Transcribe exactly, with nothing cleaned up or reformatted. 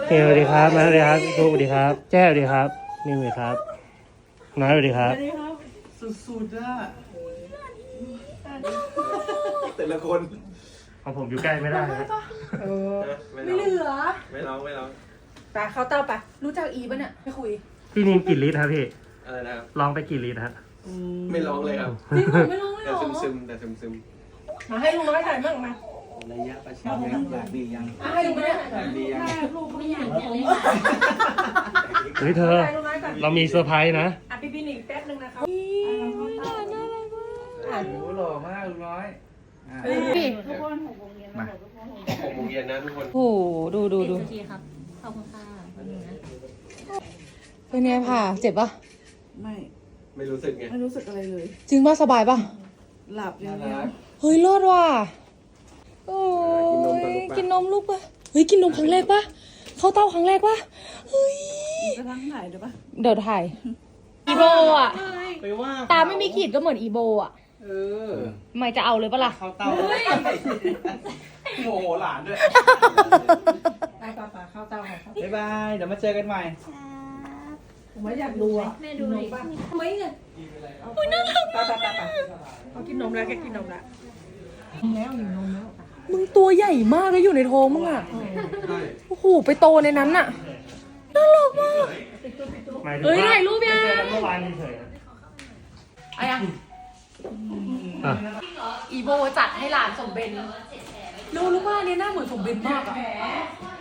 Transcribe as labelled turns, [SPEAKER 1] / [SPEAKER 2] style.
[SPEAKER 1] เฮ้ยสวัสดีครับมาสวัสดีครับลูกสวัสดีครับแจ้สวัสดีครับนี่สวัสดีครับน้อยสวัสดีครับ
[SPEAKER 2] สุดๆอ่ะแต่ละคน
[SPEAKER 1] ของผมอยู่ใกล้ไม่ได้นะ
[SPEAKER 3] เออ
[SPEAKER 2] ไม่
[SPEAKER 3] ไม่เหลือ
[SPEAKER 2] ไม่ร้องไม่ร้อง
[SPEAKER 3] ไปเข้าเต้าไปรู้จักอีปะเนี่ยไม่คุย
[SPEAKER 1] พี่นิมกี่ลิตรครับพี่
[SPEAKER 2] อะไรนะครับ
[SPEAKER 1] ลองไปกี่ลิตรฮะ
[SPEAKER 2] ไม่ร้องเลยครับ
[SPEAKER 3] จริงเหรอไม่ร้องไม่
[SPEAKER 2] แต่
[SPEAKER 3] ร้อง
[SPEAKER 2] ซึมซึมแต่ซึมซึม
[SPEAKER 3] มาให้ลุงน้อยถ่ายมั่งมา
[SPEAKER 4] ระยะประชันยังอยากดียัง
[SPEAKER 3] อ่ะให้ลุงน้อยถ่าย
[SPEAKER 4] อยากดียัง
[SPEAKER 3] ลูกไม่อยาก
[SPEAKER 1] เฮ้ยเธอ
[SPEAKER 3] ถ่ายลุงน้อยก่อน
[SPEAKER 1] เรามีเซอร์ไพรส์นะ
[SPEAKER 3] อ่ะพี่พี่หนิงแป๊บนึงนะครับ
[SPEAKER 4] โอ้โหหล่อมากลุงน้อยอ่ะ
[SPEAKER 5] ทุกคนหกโมงเย็นมาทุกคนหกโมงเย็น
[SPEAKER 2] หกโมงเย็นนะทุกคน
[SPEAKER 3] โอ้โหดูดูดู
[SPEAKER 5] นาทีครับ ขอบคุณค่ะแป๊บนึงนะ
[SPEAKER 3] เป็นไงผ่าเจ็บปะ
[SPEAKER 6] ไม่
[SPEAKER 2] ไม่รู้สึกไง
[SPEAKER 6] ไม่รู้สึกอะไรเลย
[SPEAKER 3] จริงป่ะสบายป่ะ
[SPEAKER 6] หลับอย่างเดียว
[SPEAKER 3] เฮ้ยรอดว่ะโอ้ยกินนมลูกปะเฮ้ยกินนมครั้งแรกปะเข้าเต้าครั้งแรกปะเฮ้ย
[SPEAKER 6] จะทั้งถ่ายเดี๋ยวปะ
[SPEAKER 3] เดี๋ยวถ่ายอีโบอ่ะ
[SPEAKER 2] ไปว่า
[SPEAKER 3] ตาไม่มีขีดก็เหมือนอีโบอ่ะ
[SPEAKER 2] เออ
[SPEAKER 3] ไม่จะเอาเลยปะล่ะ
[SPEAKER 4] เข้าเต้าโมโหหลานด้วย
[SPEAKER 3] ไปป่าป่าเข้าเต้าค่ะ
[SPEAKER 4] บ๊ายบายเดี๋ยวมาเจอกันใหม่
[SPEAKER 3] ผมไม่อยากดูอ่ะ
[SPEAKER 5] แม่ดูหน่อย
[SPEAKER 3] ทำไมเนี่ยอุ้ยน่ารักมากเขากินนมแล้วแกกินนมแล้วแล้วอยู่นมแล้วมึงตัวใหญ่มากเลยอยู่ในท้องมึงอ่ะ
[SPEAKER 2] ใช่
[SPEAKER 3] โอ้โหไปโตในนั้นน่ะน่ารักมาก
[SPEAKER 1] หมายถึง
[SPEAKER 3] เฮ้ย
[SPEAKER 1] ว่า
[SPEAKER 3] ถ่ายรูปยัง
[SPEAKER 1] เจอกันเมื่อวานเฉยๆนะ
[SPEAKER 3] อะยัง
[SPEAKER 1] อ่ะ
[SPEAKER 3] อีโบจัดให้หลานสมเบนรู้รู้ว่าอันนี้หน้าเหมือนสมเบนมากอ่ะ